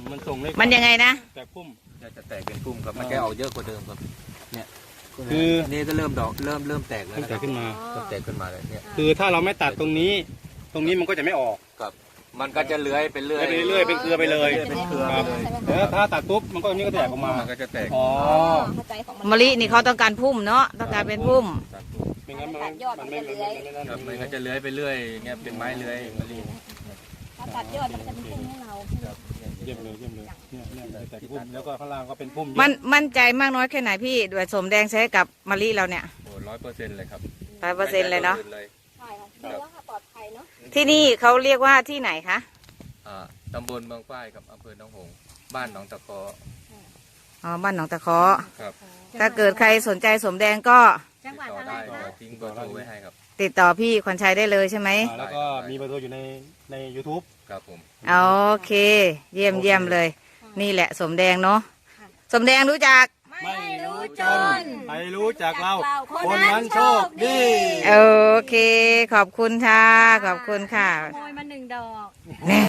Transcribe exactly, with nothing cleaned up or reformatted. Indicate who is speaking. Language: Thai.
Speaker 1: มันส่งเลข
Speaker 2: มันยังไงนะ
Speaker 1: แตกพุ่ม
Speaker 3: จะแตกเป็นพุ่มครับมันจะออกเยอะกว่าเดิมครับเนี่ย
Speaker 1: คือ
Speaker 3: อันนี้ก็เริ่มดอกเริ่มเริ่มแตกแล้ว
Speaker 1: เริ่มแตกขึ้นมา
Speaker 3: เริ่มแตกขึ้นมาเลยเนี่ย
Speaker 1: คือถ้าเราไม่ตัดตรงนี้ ตรงนี้มันก็จะไม่ออก
Speaker 3: ครับมันก็จะเลื้อยไปเรื่อย
Speaker 1: ไปเรื่อยเป็นเครือไปเลย
Speaker 3: เป็นเครือ
Speaker 1: ครับ
Speaker 3: ไปเลย
Speaker 1: แล้วถ้าตัดปุ๊บมันก็อันนี้ก็แตกออกมา
Speaker 3: มันก็จะแตก
Speaker 1: อ๋อ
Speaker 4: เข้าใจของ
Speaker 2: มะลินี่เขาต้องการพุ่มเนาะต้องการเป็นพุ่ม
Speaker 3: ตัดพุ่ม
Speaker 1: ไม่งั้นมันมันไม่มันไม่ไม่นั่น
Speaker 3: ครับมันก็จะเลื้อยไปเรื่อยเงี้ยเป็นไม้เลื้อยมะลิ
Speaker 4: ถ้าตัดยอดมันจะเป็นพุ่มให้เรา
Speaker 1: เยี่ยมเลยเยี่ยมเลยเนี่ยเนี่ยแตกพุ่มแล้วก็ข้างล่างก็เป็นพุ่ม
Speaker 2: มันมั่นใจมากน้อยแค่ไหนพี่ด้วยสมแดงใช้กับมะลิเราเนี่ย
Speaker 3: โอ้ร้อยเปอร์เซ็นต์เลยครับ
Speaker 2: ร้อยเปอร์เซ็นต์เลยเนาะ
Speaker 4: ใช่ค่ะดูว่าค่ะปลอดภัยเนาะ
Speaker 2: ที่นี่เขาเรียกว่าที่ไหนคะ
Speaker 3: อ่าตำบลเมืองฝ้ายกับอำเภอหนองหงส์บ้านหนองตะเคอ
Speaker 2: อ๋อบ้านหนองตะเคาะ
Speaker 3: ครับ
Speaker 2: ถ้าเกิดใครสนใจสมแดงก็
Speaker 4: จังหวั
Speaker 3: ติ
Speaker 4: ด
Speaker 3: ดต่อ
Speaker 4: อะไร
Speaker 3: ได้
Speaker 4: คะ
Speaker 3: ทิ้งเบอร์โทรไว้ให้ครับ
Speaker 2: ติดต่อพี่ขวัญชัยได้เลยใช่ไหม
Speaker 1: อ่าแล้วก็มีเบอร์โทรอยู่ในใน ยูทูบ
Speaker 3: ครับผม
Speaker 2: โอเค เยี่ยมเยี่ยมเลย นี่แหละสมแดงเนาะสมแดงรู้จัก
Speaker 1: ไม่รู้จนใครรู้จักเราคนนั้นโชคดี
Speaker 2: โอเค ขอบคุณค่ะ ขอบคุณค่ะ
Speaker 4: ขโมยมาหนึ่งดอก
Speaker 2: แน่